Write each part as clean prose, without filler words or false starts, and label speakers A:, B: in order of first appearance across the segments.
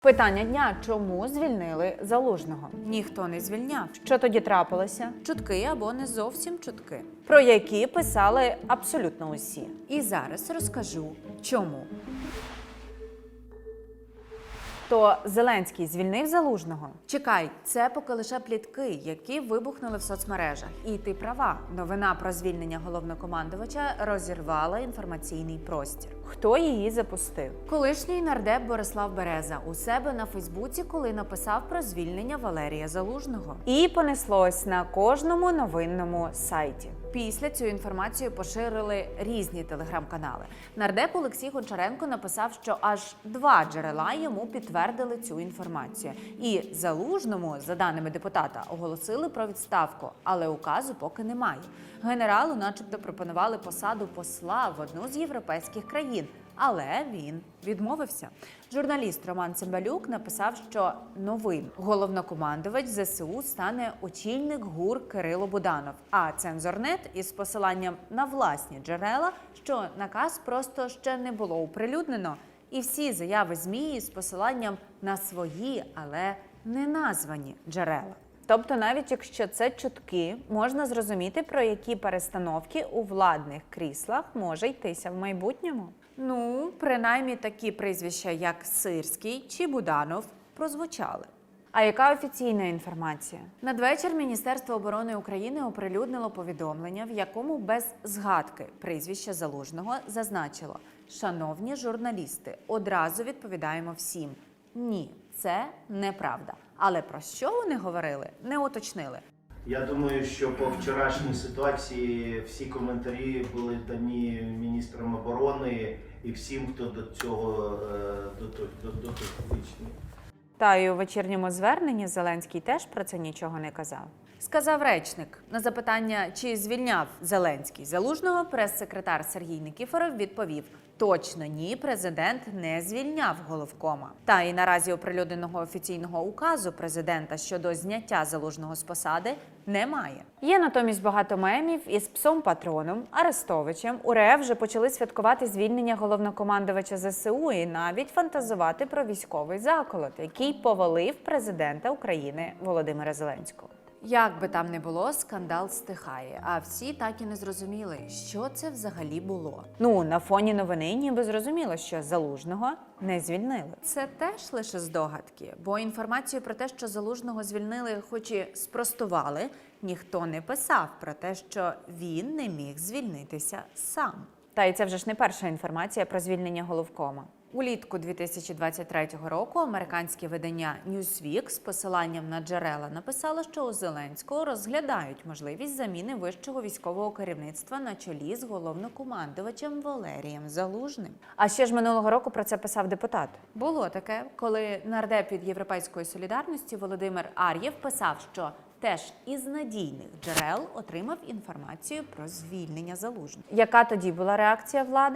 A: Питання дня: чому звільнили Залужного?
B: Ніхто не звільняв.
A: Що тоді трапилося?
B: Чутки або не зовсім чутки.
A: Про які писали абсолютно усі.
B: І зараз розкажу, чому.
A: То Зеленський звільнив Залужного?
B: Чекай, це поки лише плітки, які вибухнули в соцмережах. І ти права, новина про звільнення головнокомандувача розірвала інформаційний простір.
A: Хто її запустив?
B: Колишній нардеп Борислав Береза у себе на Фейсбуці, коли написав про звільнення Валерія Залужного.
A: І понеслось на кожному новинному сайті.
B: Після цю інформацію поширили різні телеграм-канали. Нардеп Олексій Гончаренко написав, що аж 2 джерела йому підтвердили цю інформацію. І Залужному, за даними депутата, оголосили про відставку, але указу поки немає. Генералу начебто пропонували посаду посла в одну з європейських країн, але він відмовився. Журналіст Роман Цимбалюк написав, що новим головнокомандувач ЗСУ стане очільник ГУР Кирило Буданов. А Цензорнет із посиланням на власні джерела, що наказ просто ще не було оприлюднено. І всі заяви ЗМІ з посиланням на свої, але не названі джерела.
A: Тобто, навіть якщо це чутки, можна зрозуміти, про які перестановки у владних кріслах може йтися в майбутньому.
B: Ну, принаймні такі прізвища, як Сирський чи Буданов, прозвучали.
A: А яка офіційна інформація?
B: Надвечір Міністерство оборони України оприлюднило повідомлення, в якому без згадки прізвища Залужного зазначило: «Шановні журналісти, одразу відповідаємо всім. Ні, це неправда. Але про що вони говорили, не уточнили».
C: Я думаю, що по вчорашній ситуації всі коментарі були дані міністром оборони і всім, хто до цього дотичний.
A: Та й у вечірньому зверненні Зеленський теж про це нічого не казав.
B: Сказав речник. На запитання, чи звільняв Зеленський Залужного, прес-секретар Сергій Никифоров відповів: точно ні, президент не звільняв головкома. Та і наразі оприлюдненого офіційного указу президента щодо зняття Залужного з посади немає.
A: Є натомість багато мемів із псом-патроном Арестовичем. У РФ вже почали святкувати звільнення головнокомандувача ЗСУ і навіть фантазувати про військовий заколот, який повалив президента України Володимира Зеленського.
B: Як би там не було, скандал стихає, а всі так і не зрозуміли, що це взагалі було.
A: Ну, на фоні новини ніби зрозуміло, що Залужного не звільнили.
B: Це теж лише здогадки, бо інформацію про те, що Залужного звільнили, хоч і спростували, ніхто не писав про те, що він не міг звільнитися сам.
A: Та й це вже ж не перша інформація про звільнення головкома.
B: Улітку 2023 року американське видання Newsweek з посиланням на джерела написало, що у Зеленського розглядають можливість заміни вищого військового керівництва на чолі з головнокомандувачем Валерієм Залужним.
A: А ще ж минулого року про це писав депутат.
B: Було таке, коли нардеп від «Європейської солідарності» Володимир Ар'єв писав, що теж із надійних джерел отримав інформацію про звільнення Залужного.
A: Яка тоді була реакція влади?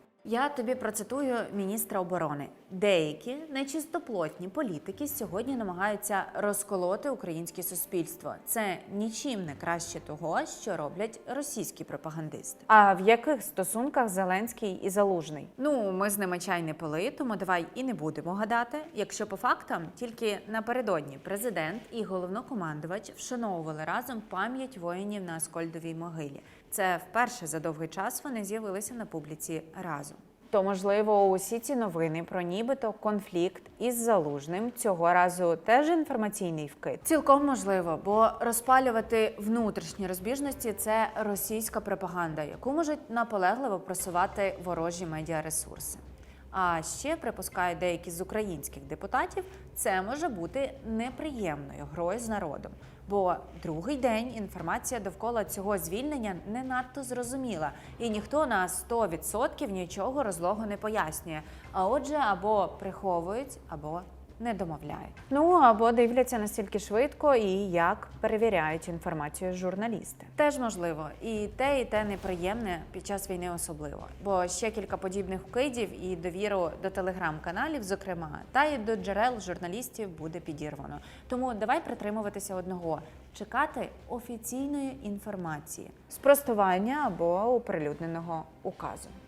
B: Я тобі процитую міністра оборони. Деякі нечистоплотні політики сьогодні намагаються розколоти українське суспільство. Це нічим не краще того, що роблять російські пропагандисти.
A: А в яких стосунках Зеленський і Залужний?
B: Ну, ми з ними чай не пили, тому давай і не будемо гадати. Якщо по фактам, тільки напередодні президент і головнокомандувач вшановували разом пам'ять воїнів на Аскольдовій могилі. Це вперше за довгий час вони з'явилися на публіці разом.
A: То, можливо, усі ці новини про нібито конфлікт із Залужним цього разу теж інформаційний вкид?
B: Цілком можливо, бо розпалювати внутрішні розбіжності – це російська пропаганда, яку можуть наполегливо просувати ворожі медіаресурси. А ще, припускають деякі з українських депутатів, це може бути неприємною грою з народом. Бо другий день інформація довкола цього звільнення не надто зрозуміла. І ніхто на 100% нічого розлого не пояснює. А отже, або приховують, або не домовляють.
A: Ну, або дивляться настільки швидко і як перевіряють інформацію журналісти.
B: Теж можливо. І те неприємне під час війни особливо. Бо ще кілька подібних вкидів і довіру до телеграм-каналів, зокрема, та й до джерел журналістів буде підірвано. Тому давай притримуватися одного – чекати офіційної інформації.
A: Спростування або оприлюдненого указу.